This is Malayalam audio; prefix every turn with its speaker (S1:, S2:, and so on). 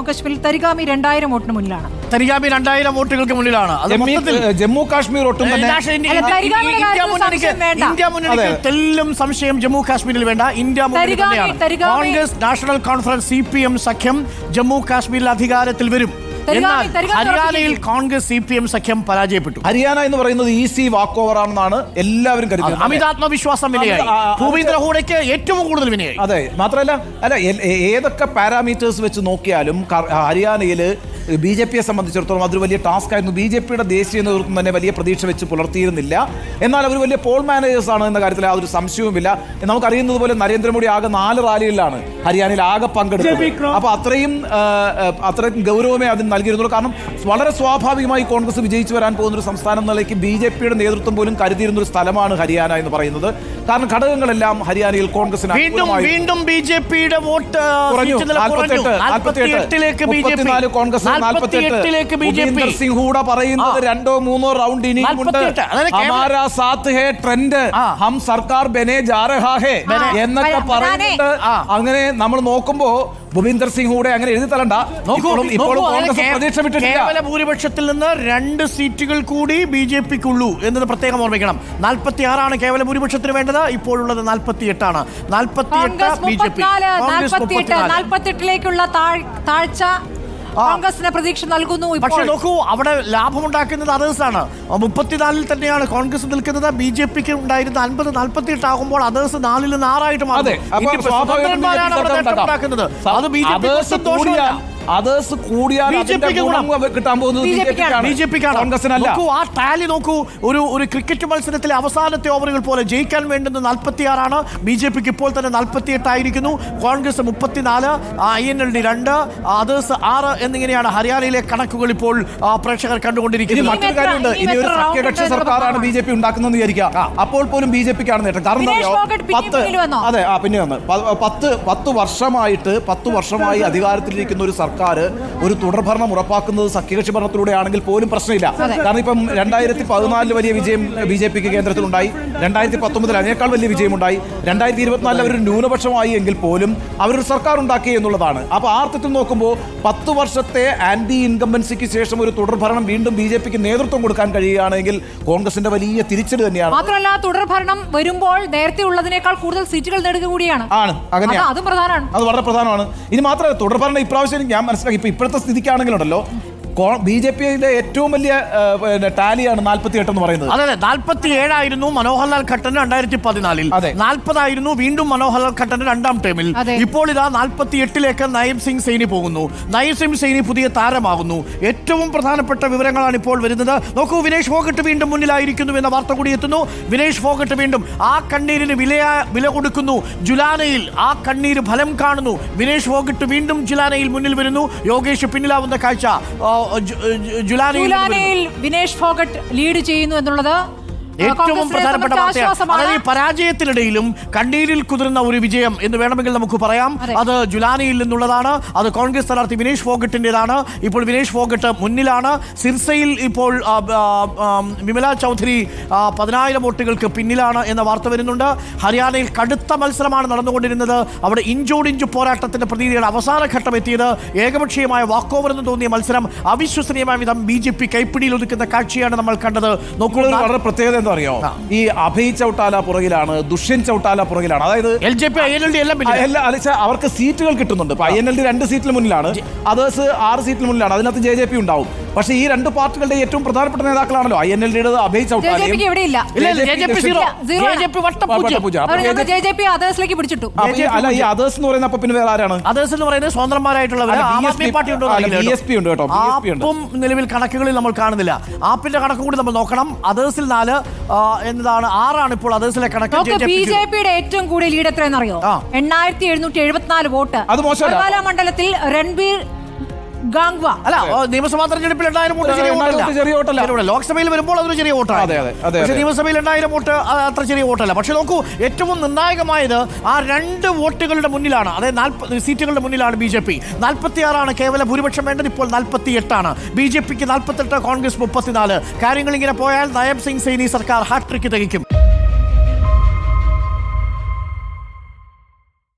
S1: ജമ്മുകാശ്മീരിൽ തരിഗാമി 2000 വോട്ടിന് മുന്നിലാണ്.
S2: തരിഗാമി 2000 വോട്ടുകൾക്ക് മുന്നിലാണ്.
S3: ജമ്മു കാശ്മീർ ഒട്ടും തന്നെ
S2: ഇന്ത്യ മുന്നണിക്ക് തെല്ലും സംശയം ജമ്മു കാശ്മീരിൽ വേണ്ട. ഇന്ത്യ മുന്നണി തന്നെയാണ്. കോൺഗ്രസ് നാഷണൽ കോൺഫറൻസ് CPM സഖ്യം ജമ്മു കാശ്മീരിൽ അധികാരത്തിൽ വരും. ഹരിയാനയിൽ കോൺഗ്രസ് CPM സഖ്യം പരാജയപ്പെട്ടു.
S3: ഹരിയാന എന്ന് പറയുന്നത് ഈസി വാക്ക് ഓവർ ആണെന്നാണ് എല്ലാവരും കരുതുന്നത്.
S2: അമിതാത്മവിശ്വാസം വിനയായി. ഭൂപീന്ദ്ര ഹൂഡയ്ക്ക് ഏറ്റവും കൂടുതൽ വിനയായി.
S3: അതെ, മാത്രമല്ല ഏതൊക്കെ പാരാമീറ്റേഴ്സ് വെച്ച് നോക്കിയാലും ഹരിയാനയിൽ BJPയെ സംബന്ധിച്ചിടത്തോളം അതൊരു വലിയ ടാസ്ക് ആയിരുന്നു. BJPയുടെ ദേശീയ നേതൃത്വം തന്നെ വലിയ പ്രതീക്ഷ വെച്ച് പുലർത്തിയിരുന്നില്ല. എന്നാൽ അവർ വലിയ പോൾ മാനേജേഴ്സ് ആണ് എന്ന കാര്യത്തിൽ യാതൊരു സംശയവുമില്ല. നമുക്കറിയുന്നത് പോലെ നരേന്ദ്രമോദി ആകെ 4 റാലികളിലാണ് ഹരിയാനയിൽ ആകെ പങ്കെടുത്തത്. അപ്പോൾ അത്രയും ഗൗരവമേ അതിന് നൽകിയിരുന്നുള്ളൂ. കാരണം വളരെ സ്വാഭാവികമായി കോൺഗ്രസ് വിജയിച്ചു വരാൻ പോകുന്ന ഒരു സംസ്ഥാനം നിലയ്ക്ക് BJPയുടെ നേതൃത്വം പോലും കരുതിയിരുന്ന ഒരു സ്ഥലമാണ് ഹരിയാന എന്ന് പറയുന്നത്. കാരണം ഘടകങ്ങളെല്ലാം ഹരിയാനയിൽ കോൺഗ്രസിന്
S2: വീണ്ടും BJPയുടെ വോട്ട്
S3: കോൺഗ്രസ് 48 ഭൂപീന്ദർ സിംഗ് ഹൂഡ പറയുന്നത് 2-3 റൗണ്ട് ഇനിയുമുണ്ട്. ഹമാരാ സാത്ത് ഹേ ട്രെൻഡ്, ഹം സർക്കാർ ബനെ ജാ രഹാ ഹേ എന്നൊക്കെ പറയുന്നുണ്ട്. അങ്ങനെ നമ്മൾ നോക്കുമ്പോ ഭൂപീന്ദർ സിംഗ് ഹൂഡ അങ്ങനെ എഴുതി തരണ്ട. ഇപ്പോഴും കോൺഗ്രസ് പ്രതീക്ഷ വിട്ടിട്ടില്ല.
S2: കേവല ഭൂരിപക്ഷത്തിൽ നിന്ന് 2 സീറ്റുകൾ കൂടി BJPക്കുള്ളൂ എന്നത് പ്രത്യേകം ഓർമ്മിക്കണം. 46 കേവല ഭൂരിപക്ഷത്തിന് വേണ്ടത്. ഇപ്പോഴുള്ളത് 48 ആണ്. 48 BJP,
S1: 48ലേക്കുള്ള താഴ്ച കോൺഗ്രസിന് പ്രതീക്ഷ നൽകുന്നു.
S2: പക്ഷെ നോക്കൂ, അവിടെ ലാഭമുണ്ടാക്കുന്നത് അതേഴ്സാണ്. 34 തന്നെയാണ് കോൺഗ്രസ് നിൽക്കുന്നത്. BJPക്ക് ഉണ്ടായിരുന്ന 50-48 ആകുമ്പോൾ അതേഴ്സ് 4-ൽ 6 ആയിട്ട് മാറും. അത് BJP സന്തോഷമില്ല.
S3: അതേഴ്സ് കൂടിയാൽ കിട്ടാൻ പോകുന്നത്
S2: BJPക്കാണ്. ആ ടാലി നോക്കൂ. ഒരു ക്രിക്കറ്റ് മത്സരത്തിലെ അവസാനത്തെ ഓവറുകൾ പോലെ ജയിക്കാൻ വേണ്ടുന്ന 46 BJPക്ക് ഇപ്പോൾ തന്നെ 48 ആയിരിക്കുന്നു. കോൺഗ്രസ് 34, INLD 2, അതേഴ്സ് 6 എന്നിങ്ങനെയാണ് ഹരിയാനയിലെ കണക്കുകൾ ഇപ്പോൾ പ്രേക്ഷകർ കണ്ടുകൊണ്ടിരിക്കുന്നത്.
S3: മറ്റൊരു കാര്യമുണ്ട്, ഇനി ഒരു സഖ്യകക്ഷി സർക്കാരാണ് BJP ഉണ്ടാക്കുന്നതെന്ന് വിചാരിക്കുക. അപ്പോൾ പോലും BJPക്കാണ് നേട്ടം. കാരണം പിന്നെ 10 വർഷമായി അധികാരത്തിലിരിക്കുന്ന ഒരു സർക്കാർ ഒരു തുടർഭരണം ഉറപ്പാക്കുന്നത് സഖ്യകക്ഷി ഭരണത്തിലൂടെയാണെങ്കിൽ പോലും പ്രശ്നമില്ല. കാരണം ഇപ്പം 2014 വലിയ വിജയം BJPക്ക് കേന്ദ്രത്തിലുണ്ടായി. 2019 അതിനേക്കാൾ വലിയ വിജയമുണ്ടായി. 2024 അവരൊരു ന്യൂനപക്ഷമായി എങ്കിൽ പോലും അവരൊരു സർക്കാർ ഉണ്ടാക്കി എന്നുള്ളതാണ്. അപ്പോൾ ആ അർത്ഥത്തിൽ നോക്കുമ്പോൾ 10 വർഷത്തെ ആന്റി ഇൻകംബൻസിക്ക് ശേഷം ഒരു തുടർഭരണം വീണ്ടും BJPക്ക് നേതൃത്വം കൊടുക്കാൻ കഴിയുകയാണെങ്കിൽ കോൺഗ്രസിന്റെ വലിയ തിരിച്ചടി തന്നെയാണ്.
S1: മാത്രമല്ല, തുടർഭരണം വരുമ്പോൾ നേരത്തെ ഉള്ളതിനേക്കാൾ കൂടുതൽ സീറ്റുകൾ നേടുക കൂടിയാണ്.
S3: അത് വളരെ പ്രധാനമാണ്. ഇനി മാത്രമല്ല, തുടർഭരണം ഇപ്രാവശ്യം ഞാൻ മനസ്സിലാക്കി ഇപ്പോഴത്തെ സ്ഥിതിക്കാണെങ്കിലുണ്ടല്ലോ BJPയുടെ ഏറ്റവും വലിയ ടാലിയാണ് 48 എന്ന് പറയുന്നത്.
S2: അതെ, 47 ആയിരുന്നു മനോഹർലാൽ ഖട്ടർ 2014. 40 ആയിരുന്നു വീണ്ടും മനോഹർലാൽ ഖട്ടർ 2ാം ടേമിൽ. ഇപ്പോൾ ഇതാ 48ലേക്ക് നയം സിംഗ് സൈനി പോകുന്നു. നയം സിംഗ് സൈനി പുതിയ താരമാകുന്നു. ഏറ്റവും പ്രധാനപ്പെട്ട വിവരങ്ങളാണ് ഇപ്പോൾ വരുന്നത്. നോക്കൂ, വിനേഷ് ഫോഗട്ട് വീണ്ടും മുന്നിലായിരിക്കുന്നു എന്ന വാർത്ത കൂടി എത്തുന്നു. വിനേഷ് ഫോഗട്ട് വീണ്ടും ആ കണ്ണീരിന് വില കൊടുക്കുന്നു. ജുലാനയിൽ ആ കണ്ണീര് ഫലം കാണുന്നു. വിനേഷ് ഫോഗട്ട് വീണ്ടും ജുലാനയിൽ മുന്നിൽ വരുന്നു. യോഗേഷ് പിന്നിലാവുന്ന കാഴ്ച.
S1: ജുലാനയിൽ വിനേഷ് ഫോഗട്ട് ലീഡ് ചെയ്യുന്നു എന്നുള്ളത്
S2: ഏറ്റവും പ്രധാനപ്പെട്ട വാർത്തയാണ്. പരാജയത്തിനിടയിലും കണ്ണീരിൽ കുതിർന്ന ഒരു വിജയം എന്ന് വേണമെങ്കിൽ നമുക്ക് പറയാം. അത് ജുലാനയിൽ നിന്നുള്ളതാണ്. അത് കോൺഗ്രസ് സ്ഥാനാർത്ഥി വിനേഷ് ഫോഗട്ടിൻ്റെതാണ്. ഇപ്പോൾ വിനേഷ് ഫോഗട്ട് മുന്നിലാണ്. സിർസയിൽ ഇപ്പോൾ വിമല ചൗധരി 10,000 വോട്ടുകൾക്ക് പിന്നിലാണ് എന്ന വാർത്ത വരുന്നുണ്ട്. ഹരിയാനയിൽ കടുത്ത മത്സരമാണ് നടന്നുകൊണ്ടിരുന്നത്. അവിടെ ഇഞ്ചോടിഞ്ചു പോരാട്ടത്തിന്റെ പ്രതീതിയുടെ അവസാന ഘട്ടം എത്തിയത്. ഏകപക്ഷീയമായ വാക്ക് ഓവർ എന്ന് തോന്നിയ മത്സരം അവിശ്വസനീയമായ വിധം BJP കൈപ്പിടിയിൽ ഒതുക്കുന്ന കാഴ്ചയാണ് നമ്മൾ കണ്ടത്. നോക്കൂ,
S3: വളരെ പ്രത്യേകത എന്താ അറിയോ, ഈ അഭയ് ചൗട്ടാല പുറകിലാണ്, ദുഷ്യന്ത് ചൗട്ടാല പുറകിലാണ്. അതായത്
S2: LJP INLD
S3: അവർക്ക് സീറ്റുകൾ കിട്ടുന്നുണ്ട്. INLD 2 സീറ്റിൽ മുന്നിലാണ്, അതേഴ്സ് 6 സീറ്റിൽ മുന്നിലാണ്. അതിനകത്ത് JJP ഉണ്ടാവും. പക്ഷേ ഈ 2 പാർട്ടികളുടെ ഏറ്റവും പ്രധാനപ്പെട്ട നേതാക്കളാണല്ലോ INLDയുടെ അഭയ് ചൗട്ടാലയും. അല്ല, ഈ അതേഴ്സ് എന്ന് പറയുന്ന പിന്നെ വേറെ ആരാണ്?
S2: അതേഴ്സ് എന്ന് പറയുന്നത് സ്വതന്ത്രന്മാരായിട്ടുള്ളവർ. നിലവിൽ കണക്കുകളിൽ നമ്മൾ കാണുന്നില്ല. ആപ്പിന്റെ കണക്ക് കൂടി നമ്മൾ നോക്കണം. അതേഴ്സിൽ 4 എന്നതാണ് 6 ഇപ്പോൾ അതേഴ്സിലെ കണക്ക്.
S1: BJPയുടെ ഏറ്റവും കൂടിയ ലീഡ് എത്രയെന്നറിയോ? 8774 വോട്ട്. മണ്ഡലത്തിൽ രൺബീർ ഗാംഗ്വ.
S2: അല്ല, നിയമസഭാ തെരഞ്ഞെടുപ്പിൽ 2000 വോട്ട് ചെറിയ വോട്ടല്ല. ലോക്സഭയിൽ വരുമ്പോൾ അതൊരു ചെറിയ വോട്ടാണ്. പക്ഷേ നിയമസഭയിൽ 2000 വോട്ട് അത്ര ചെറിയ വോട്ടല്ല. പക്ഷെ നോക്കൂ, ഏറ്റവും നിർണായകമായത് ആ 2 വോട്ടുകളുടെ മുന്നിലാണ്. അതായത് 40 സീറ്റുകളുടെ മുന്നിലാണ് BJP. 46 കേവല ഭൂരിപക്ഷം വേണ്ടത്. ഇപ്പോൾ 48. BJPക്ക് 48, കോൺഗ്രസ് 34. കാര്യങ്ങൾ ഇങ്ങനെ പോയാൽ നയം സിംഗ് സൈനി സർക്കാർ ഹാട്രിക്ക് തികയ്ക്കും.